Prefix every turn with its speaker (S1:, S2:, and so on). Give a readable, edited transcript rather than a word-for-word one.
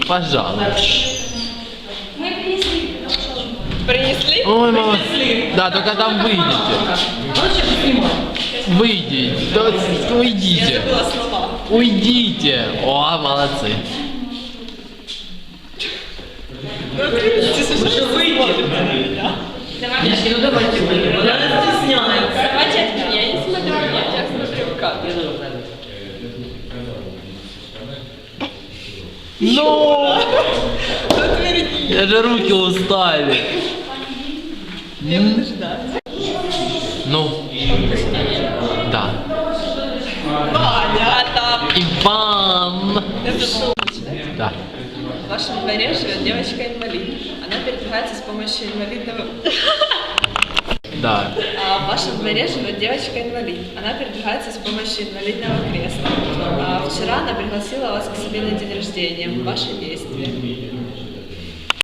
S1: Пожалуйста.
S2: Мы принесли.
S3: Принесли?
S1: Ой, мама. Да, только там выйдите. Выйдите. Да, уйдите.
S3: Забыла слова.
S1: Уйдите. О, молодцы.
S3: Уже выйдете.
S2: Давайте.
S3: Ну давайте выйдем. Я стесняюсь.
S2: Давайте от меня. Я не смотрю, я смотрю как.
S1: Ну! Я же руки устали.
S3: Я буду ждать.
S1: Ну. Да.
S3: Понятно.
S1: Иван.
S3: Это шутка.
S1: Да.
S3: В вашем дворе живет девочка-инвалид. Она передвигается с помощью инвалидного...
S1: Да.
S3: В вашем дворе живет девочка-инвалид. Она передвигается с помощью инвалидного кресла. Вчера она пригласила вас к себе на день рождения. Ваши действия.